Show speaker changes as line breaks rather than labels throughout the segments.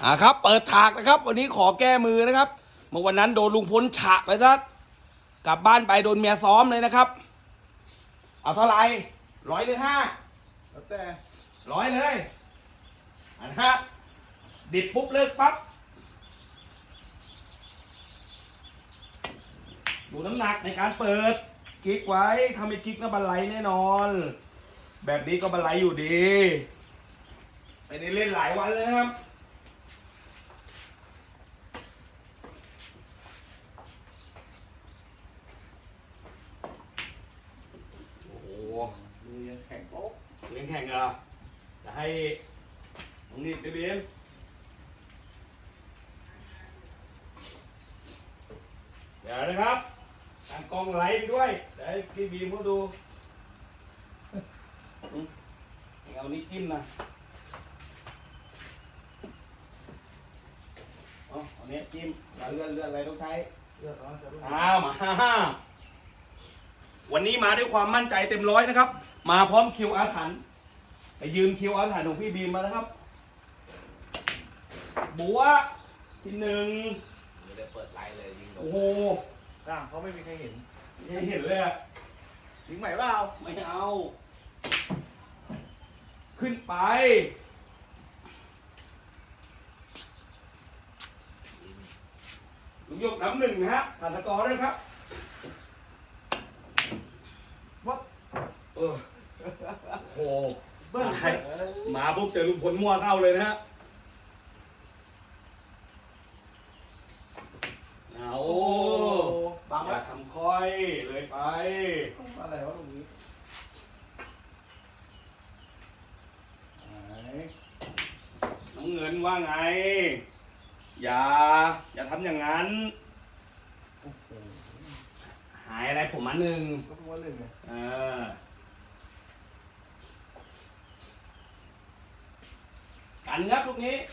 ครับเปิดฉากนะครับวันนี้ขอแก้มือนะครับเมื่อวันนั้นโดนลุงพลฉะไปซะกลับบ้านไปโดนเมียซ้อมเลยนะครับเอาเท่าไหร่100 หรือ 5
แล้วแต่
100เลยนะฮะดิบปุ๊บเลิกปั๊บดูน้ำหนักในการเปิดกิ๊กไว้ทำให้กิ๊กนะบันไลแน่นอนแบบนี้ก็บันไลอยู่ดีไม่ได้เล่นหลายวันเลยครับ
มือยังแข็งโป๊ก
เล่นแข่งเหรอจะให้น้องนิดไปเบียมเดี๋ยวนะครับตั้งกล้องไลฟ์ไปด้วยเดี๋ยวให้พี่บีมเขาดูเอานี้จิ้มนะเอาเนี้ยจิ้มเลื่อนอะไรต้องใช้
เลือดร้อนจะรุ่ง
มาวันนี้มาด้วยความมั่นใจเต็มร้อยนะครับมาพร้อมคิวอาถรรพ์ไปยืมคิวอาถรรพ์ของพี่บีมมาแล้วครับบัวที่1
ไม่ได้เปิดไลน์เลยยิง
โอ้โห
เขาไม่มีใครเห็น
ไม่เห็นเลยอะ
ยิงใหม่เปล่า
ไม่เอาขึ้นไปลุงยกน้ำ1นะฮะผ่านตะกอด้วยครับ
วัด
โอ้โหเบิ้ลมาปุ๊บเจอลุงพลมั่วเข้าเลยนะฮะเอา
บาง
อย่าทำค่อยเลยไป
อะไรวะตรงนี้
น้ำเงินว่าไงอย่าทำอย่างนั้นหายอะไรผมมา1
ก็ตัว1ไง
กันครับลูกนี้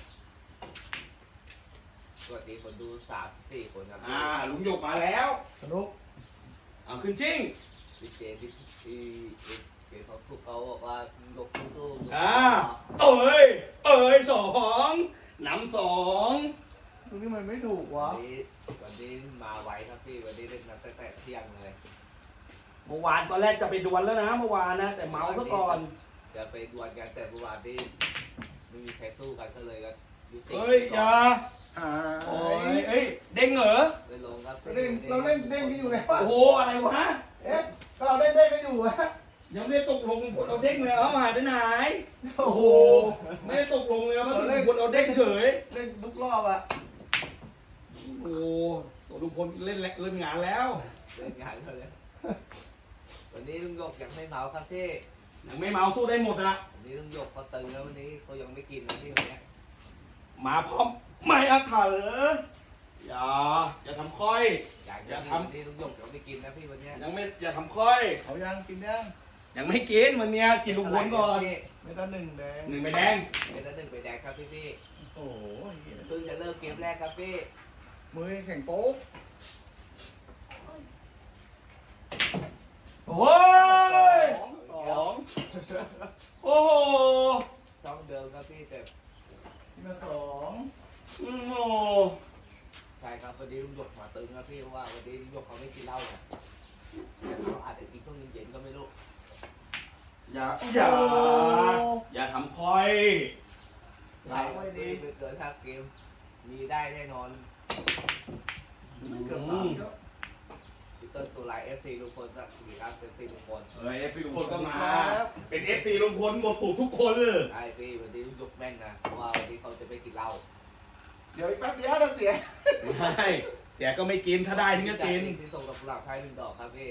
สวัสดีคนดู3-4 คนครับ
ลุงหยกมาแล้ว
สนุก
ขึ้นชิง
พี่เจเขาทุกเขาบอกว่าลกสู้
เอ้ย2นำ2
ตรงนี้มันไม่ถูกวะ
วันนี้มาไวครับพี่วันนี้เล่นนัดตั้งแต่เที่ยงเลย
เมื่อวานตอนแรกจะไปดวลแล้วนะเมื่อวานนะแต่เมาซะก่อน
จะไปดวลกันแต่เมื่อวานนี้ไม่มีใครสู้กันก็เลยก็
เฮ้ยอย่าโอ้ยเด้งเหรอ
ไม่ลงครับ
เราเล่นเด้งกันอยู่ไง
โอ้โหอะไรวะ
ก็เราเล่นเด้งกันอยู่ฮะ
ยังไม่ได้ตกลงเราเด้งเลยเอาหายไปไหนโอ้โหไม่ได้ตกลงเลยว่าลุงพลเราเด้งเฉย
เล่นทุกรอบอะ
โอ้ตัวลุงพลเล่นงานแล้ว
เล่นงานเลยวันนี้ลุงหยกยังไม่เมาครับพี่
ยังไม่เมาสู้ได้หมดอะ
วันนี้ลุงหยกเขาตึงแล้ววันนี้เขายังไม่กินนะพี่วันนี้
มาพร้อมไม่อาถรรพ์อย่าทำค่อย
อย่าทำนี่ลุงหยกยังไม่กินนะพี่วันนี้
ยังไม่อย่าทำค่อย
เขายังกิน
ยังไม่กินวันนี้กินลุงพลก่อน
ไม่ต้อง1แดง
1ใบแดง
ไม่ต้อง1ใบแดงครับพี่
โอ้โห
เพิ่งจะเริ่มเกมแรกครับพี่
มือแข็งโป๊ก
โอ้ยโอ้โห
ช่องเดิมครับพี่แต่
ที่มา2
โอ้โห
ใช่ครับวันนี้ลุงหยกมาตึงครับพี่เพราะว่าวันนี้ลุงหยกเขาไม่กินเหล้าเนี่ยเขาอาจจะกินช่วงเย็นๆก็ไม่รู้
อย่าทำค่อย
ไม่ดีเกิน5 เกมมีได้แน่นอน
เกือบ
พี่ต้นตัวลาย FC ลุงพลครับมีครับ FC ลุงพล
FC ลุงพลก็มาเป็น FC ลุงพลหมดตูดทุกคนเลย
ใช่พี่วันนี้ลุงหยกแม่นนะเพราะว่าวันนี้เขาจะไม่กินเหล้า
เดี๋ยวอีกแป๊บเดียวจะเสีย
ไม่เสียก็ไม่กินถ้าได้ถึงจะกิน
ที่ส่งกับกุหลาบไทย1 ดอกครับพี่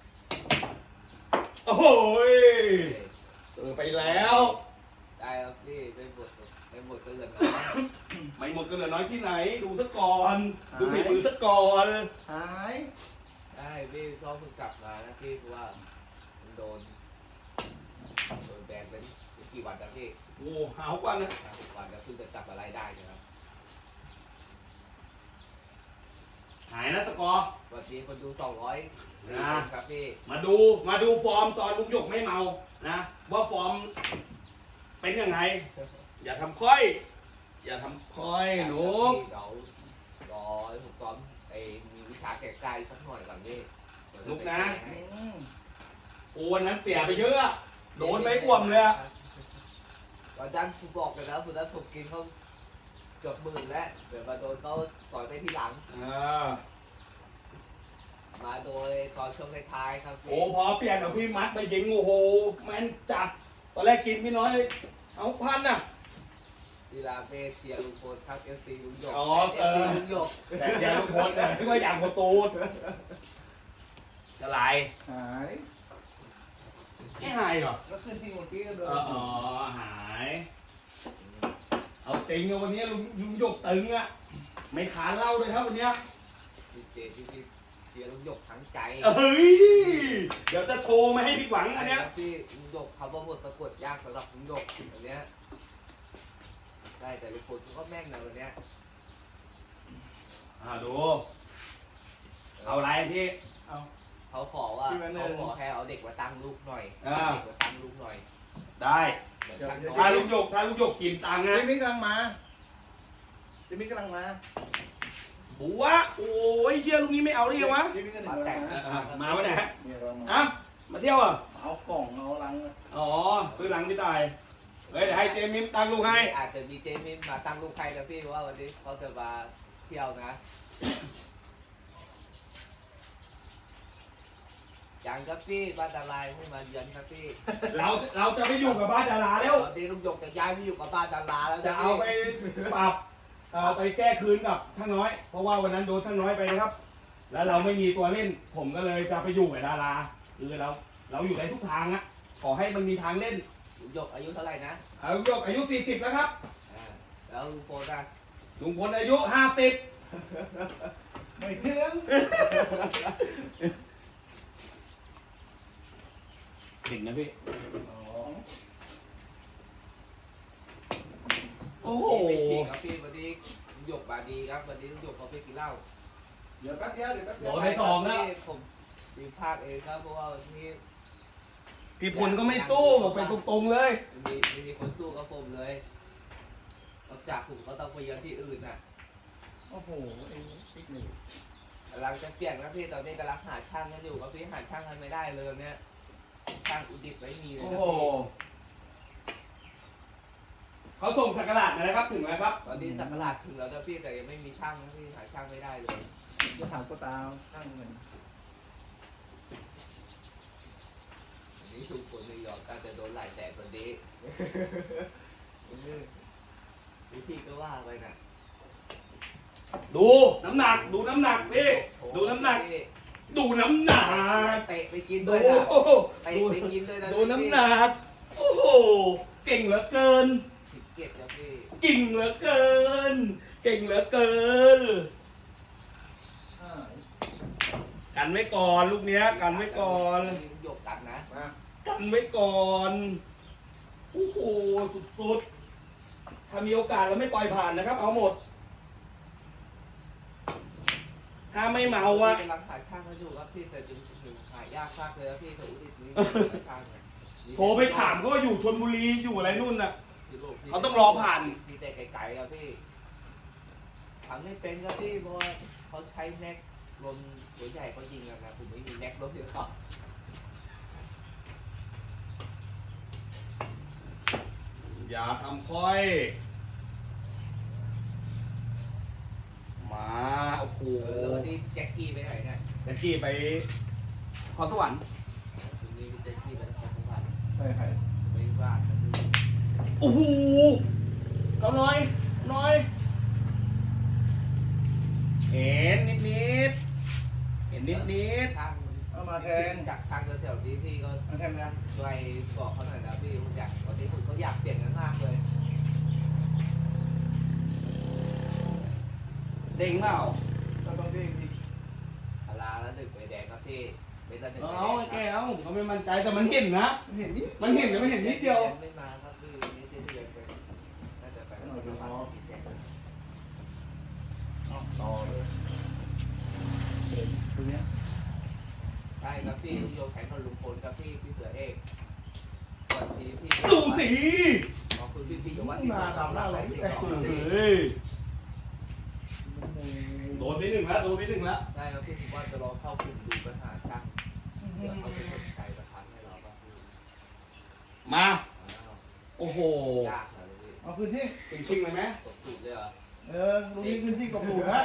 โอ้โหไปแล้ว
ได้ครับพี่ไปหมดก็เหลือน้อย
ไม่หมดก็เหลือน้อยที่ไหนดูซะก่อนดูฝีมือซะก่อน
หาย
ได้พี่ซ้อมเพิ่งกลับมานะพี่เพราะว่าโดนแบนเป็นกี่วันครับพี่
โอ้หาวันนะ
วันแล้วเพิ่งจะกลับมาไล่ได้นะครับ
หายนะสกอร์
สวัสดีคนดู200ครับพี่
มาดูฟอร์มตอนลุงหยกไม่เมานะว่าฟอร์มเป็นยังไงอย่าทำค่อยอย่าทำคอยหนู
เดี๋ยวรอให้ผมซ้อมไอ้มีวิชาแก่กายสักหน่อยก่อนพี่
ลุกนะ
อืม
โอ้วันนั้นเสียไปเยอะอะโดนไปอ่วมเลยอะ
ตอนนั้นผมบอกเลยนะคุณนั้นผมกินเขาเกือบหมื่นแล้วเดี๋ยวมาโดนเขาสอยไปทีหลัง มาโดยตอนช่วงท้ายๆครับพี่
โอ้พอเปลี่ยนเอาพี่มัดไปยิงโอ้โหแม่นจัดตอนแรกกินพี่น้อยเอาพันน่ะ
กีฬาเบสเชียร์ลุงพลครับเอฟซีลุงหยก
อ๋อ
เอฟซีลุงหยก
แต่เชียร์ลุงพลเนี่ยไม่ว่าอย่างประตูจะไหล
หาย
ไม่หายเหรอ
แล้วขึ้นที่เมื่อกี้ก็เดิน
อ๋อหายเอาติงอะวันนี้ลุงหยกตึงอะไม่ขาเหล่าเลยครับวันเนี้ย
พี่เจที่เชียร์ลุงหยกทั้งใจ
เฮ้ยเดี๋ยวจะโชว์ไม่ให้ผิดหวังอันเนี้ย
พี่ลุงหยกเขาบอกหมดสะกดยากสำหรับลุงหยกอันเนี้ยได้แต่ลุงพลก็แม่งนะวันเนี้ย
ดูเอาอะไรพี่
เอา
เขาขอว่า
พี่มาหนึ่
เขา
ง
ขอให้เอาเด็กมาตั้งลูกหน่อย
อ่า
เด็กมาตั้งลูกหน่อย
ได้
เหมือนตั้ง
ถ้า
น้
ลุ
อย
งหยกกินตังค์
เจ
นะ
มี่กำลังมาเจมี่กำลังมา
บัวโอ้ยเชี่ยลูกนี้ไม่เอาได้ยังวะ
เจมี่กำลังมา
มาไหนฮะ
เนี่ยเรามา
อ่ะมาเที่ยวอ่ะ
เอากล่องเอาลัง
อ๋อซื้อหลังพี่ตายเฮ้ยเดี๋ยวให้เจมิมตังค์ลูกให้
อาจจะมีเจมินมาตั้งลูกใครนะพี่ว่าวันนี้เขาจะมาเที่ยวนะยังครับพี่บ้านดารายไม่มาเยือนครับพี่
เราจะไปอยู่กับบ้านดาราแล้ว
ตอนนี้ลุงหยกจะย้ายไปอยู่กับบ้านดาราแล้ว
จะ
นะ
เอา
พี่
ไปปรับเอาไปแก้คืนกับช่างน้อย เพราะว่าวันนั้นโดนช่างน้อยไปนะครับ แล้วเราไม่มีตัวเล่น ผมก็เลยจะไปอยู่กับดาราคือเราอยู่ในทุกทางอะขอให้มันมีทางเล่น
ลุงหยกอายุเท่าไหร่นะ
เอาลุงหยกอายุ40แล้วครับ
อ่าแล้วลุงโฟนอะ
ลุงพลอายุ50
ไม่ถึง
เก่งนะพี่
อ๋อ
โอ้โห
ไม่จริงครับพี่วันนี้ลุงหยกมาดีครับวันนี้ลุงหยกเขาไปกินเหล้า
เดี๋ยวแป๊บเดียวเดี๋ยวแป๊บเดียว
โดนไปสองแล้ว
ผมมีภาคเองครับเพราะว่าวันนี้
พี่พลก็ไม่สู้บอกไปตรงๆเลย
มีคนสู้กับผมเลยนอกจากผมก็ต้องไปเยือนที่อื่นน่ะ
โอ้โหไอ้ปิ๊กหนึ่ง
กำลังจะเปลี่ยนนะพี่ตอนนี้กำลังหาช่างกันอยู่ครับพี่หาช่างกันไม่ได้เลยเนี่ยช่างอุดิตไม่มีเลย
โอ้
นะ
โหเขาส่งสักการะนะครับถึงแล้วครับ
ตอนนี้สักราชถึงแล้วนะพี่แต่ยังไม่มีช่างนะพี่หาช่างไม่ได้เลย
จะถามก็ตาตั้งเงิน
อันนี้ถูกคนนิวยอร์กก็จะโดนหลายแสนวันนี้พี่ก็ว่าไปนะ
ดูน้ำหนักดูน้ำหนักพี่ดูน้ำหนัก ดูน้ำหนัก
เตะไปกิน
ดู
ด้วยนะเตะ
ดู
ไปกินด้วยนะ
ดูน้ำหนักโอ้โหเก่งเหลือเกิน
ผิดเก็บนะพี่
เก่งเหลือเกิน เก่งเหลือเกิน
ใช่
กันไว้ก่อนลูกเนี้ยกันไว้ก่อน
หยกกันนะ
มา
กันไว้ก่อนโอ้โหสุดๆถ้ามีโอกาสเราไม่ปล่อยผ่านนะครับ เอาหมด ถ้าไม่เมาอะ
กำลังหาช่างมาอยู่ครับพี่แต่จริงๆหายากมากเลยครับพี่แต่อุดิตนี่ช่างเนี่ย
โทรไปถามก็อยู่ชลบุรีอยู่อะไรนู่นน่ะ เขาต้องรอผ่าน
มีแต่ไกลๆครับพี่ทำไม่เป็นครับพี่เพราะว่าเขาใช้แน็กลมหัวใหญ่เขายิงกันนะผมไม่มีแน็กลมเดียวเขา
อย่าทำค่อย มาโอ้โห
แล้ววันนี้แจ็คกี้ไปไหนเนี่ย
แจ็คกี้ไปขอสวรรค์
วันนี้มีแจ็คกี้ไปนครสวรรค์
ใช่ใคร
ไม่ว่างนะพี่
โอ้โหเอาหน่อยหน่อย เห็นนิดๆเห็นนิด
ทาง
เอามาแทน
จากทางแถวๆนี้พี่ก็
มาแทนนะ
ช่วยบอกเขาหน่อยนะพี่ผมอยากวันนี้ผมเขาอยากเปลี่ยนกันมากเลย
ๆเด้งเปล่า
เราต้องที่มี
อาลาแล้วหนึ่งใบแดงครับพี่เป็นตั้งหนึ่ง
เอา
ใบ
เอา
แด
ไอ้
ง
แก
ครับ
เอาเขาไม่มั่นใจแต่มันเห็นนะ
เห็นนี่
มันเห็นแต่ไม่เห็นนิดเดียว
ไม่มาครับพี่วันนี้ที่เรียนไปน่าจะไปนครสวรรค์พี่แจ็ค
เอาต่อเลยเห็นตรงเนี้ย
ใช่ครับพี่ลุงโยแข่งกับลุงพลครับพี่เสือเอกวันนี้พี่
ดูสิ
ขอบคุณพี่โยว่าที่มาทำอะไรที่ต่อ
เฮ้ไปหนึ่งแล้วโดนไปหนึ่งแล้ว
ได้ครับพี่ผมว่าจะลองเข้ากลุ่มดูปัญหาช่างเดี๋ยวเขาจะสนใจประทันให้เราบ้างพี่
มา
อ้าว
โอ้โห
ยากเหรอพี่
เอาพื้นที่
ชิงๆเลยไหม
ตกสูตรเลยเหรอ
ลุงนี้พื้นที่กบหลูนะ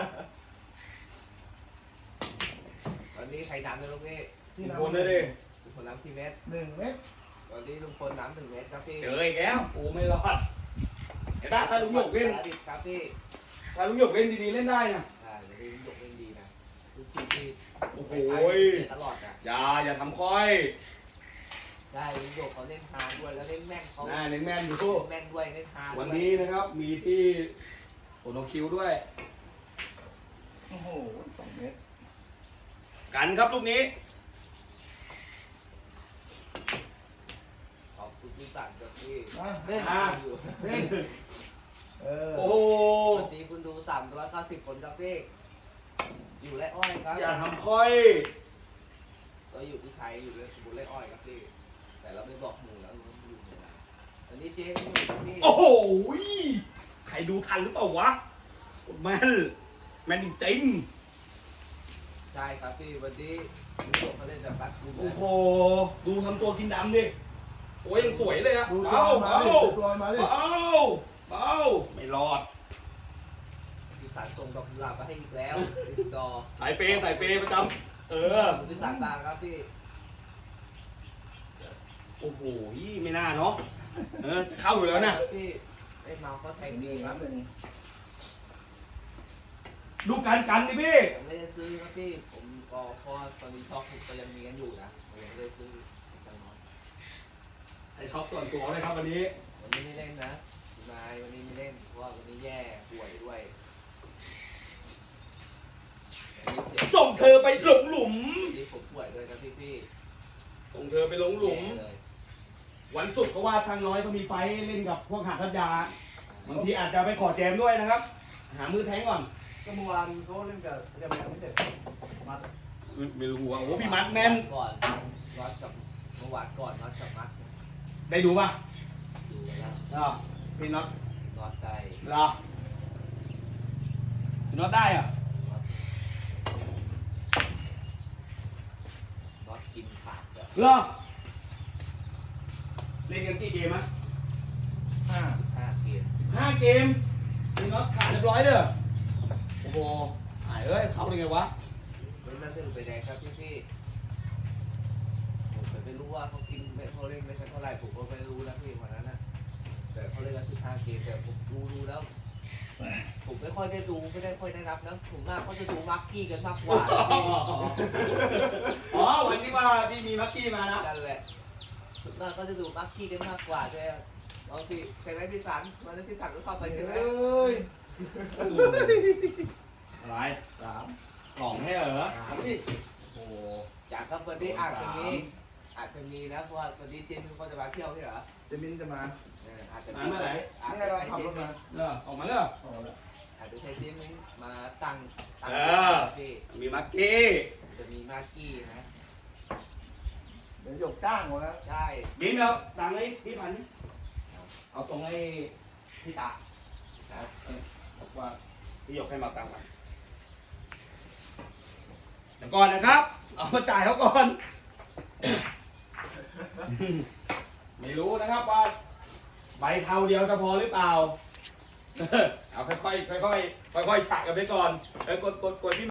ตอนนี้ใครน้ำในลูกนี้
ลุงพลได้ดิ
ลุงพลน้ำที่เมตร
1 เมตร
ตอนนี้ลุงพลน้ำ1 เมตรครับพี่
เจออีกแล้วโอ้ไม่รอดเห็นปะถ้าลุงหยกเล่น
สารดิบครับพี่
ถ้าลุงหยกเล่นดีๆเล่นได้นะ
เดี๋ยวลุงหยกเล่นดีนะทุกทีที่
โอ้โห
ตลอดนะ
อย่าทำค่อย
ได้ลุงหยกเขาเล่นฮาด้วยแล้วเล่นแม่นเขา
น่าเล่นแม่นอยู่
เล่นแม่นด้วยเล่นฮาด้วย
วันนี้นะครับมีที่โอโนคิวด้วย
โอ้โห2 เมตร
กันครับลูกนี้
ขอบคุณพี่สั่งครับพี่
มา
เล่น
อยู่
เล่น
โอ้โห
วันนี้คุณดู390 คนครับพี่อยู่ไรอ้อยครับ
อย่าทำค่อย
เราอยู่ที่ชัยอยู่เลยสมบูรณ์ไรอ้อยครับพี่แต่เราไม่บอกหมู่แล้วเราอยู่หมู่ไหนวันนี้เจ๊ไม่อยู่ครับพี่
โอ้โหใครดูทันหรือเปล่าวะแม่นจริง
ใช่ครับพี่วันนี้ลุงหยกเขาเล่นแบบบัสกุล
ๆ
เล
โอ้
ย
โหดูทำตัวกินดำดิโอ้ยยังสวยเลยอะ
ดูตัว
เบา
มา
เบา
ดิดูตัวมาดิ
เบาไม่รอด
พี่สันส่งดอกกุหลาบมาให้อีกแล้วติดดอ
สายเปย์ประจำเออ
พี่สันตางครับพี่
โอ้โหไม่น่าเนาะจะเข้าอยู่แล้วนะ
พี่ไอ้เมาเขาแทงดีครับ
ดูกันดิพี่
ผมไม่ได้ซื้อครับพี่ผมก็เพราะตอนนี้ช็อปผมก็ยังมีกันอยู่นะผมยังไม่ได้ซื้อจังน้อย
ไอช็อปส่วนตัวเลยครับวันนี้
วันนี้ไม่เล่นนะคุณนายวันนี้ไม่เล่นเพราะว่าวันนี้แย่ป่วยด้วยวันนี้เสีย
ส่งเธอไปหลงหลุม
วันนี้ผมป่วยด้วยนะพี่
ส่งเธอไปหลงหลุม
แย่เลย
วันศุกร์เพราะว่าช่างน้อยเขามีไฟท์เล่นกับพวกหาดทัพยาบางทีอาจจะไปขอแจมด้วยนะครับ หามือแทงก่อน
ก็เมื่อวานเขาเล่นกับยังไม่เสร็จมัด
ไม่รู้ว่าโอ้พี่มัดแม่น
ก่อนน็อตกับเมื่อวานก่อนน็อตกับมัด
ได้ดูป่ะ
ดูแล้ว
พี่น็อต
น็อตได้
เหรอพี่น็อตได้อ่ะ
น็อตกินขาดแบบ
เหรอเล่นกันกี่เกมอ่ะ
5
5 เกม
5 เกมพี่น็อตขาดเรียบร้อยเลยโอ้โหหายเอ้ยเขาเป็นไงวะ
เป็นนั่นเป็นไปแดงครับพี่ผมไม่รู้ว่าเขากินเขาเล่นไม่ใช่เท่าไหร่ผมก็ไม่รู้นะพี่วันนั้นนะแต่เขาเล่นกัน15 เกมแต่ผมดูแล้ว ผมไม่ค่อยได้ดูไม่ได้ค่อยได้รับนะผมมากก็จะดูมักกี้กันมากกว่าพี่
อ๋อวันนี้ว่าที่มีมักกี้มานะ
นั่นแหละผมมากก็จะดูมักกี้กันมากกว่าใช่ไหมบางทีใช่ไหมพี่สันวันนั้นพี่สันก็เข้าไปใช่ไหม
เอ้ย
อะไร
3
กล่องให้เหรอ
ถามดิ
โอ้โห
จากครับวันนี้อาจจะมีนะเพราะว่าวันนี้เจมส์เขาจะมาเที่ยวใช่เหรอ
เจมินจะมา
อาจจะ
นี่ให้เราขับรถมา
ออกมาเลย
เอาละ
อาจจะใช้เจมส์มาตั้งที่
มีมักกี้
จะมีมากกี้นะ
เดี๋ยวหยกจ้างหมดแล้ว
ใช่
บีมแล้วตังค์ไอ้พี่พันนี่เอาตรงไอ้พี่ตาบอกว่าพี่ยกให้มาตังค์มันเดี๋ยวก่อนนะครับ เอามาจ่ายเขาก่อน ไม่รู้นะครับว่าใบเทาเดียวจะพอหรือเปล่า เอาค่อยๆฉะกันไปก่อนกดพี่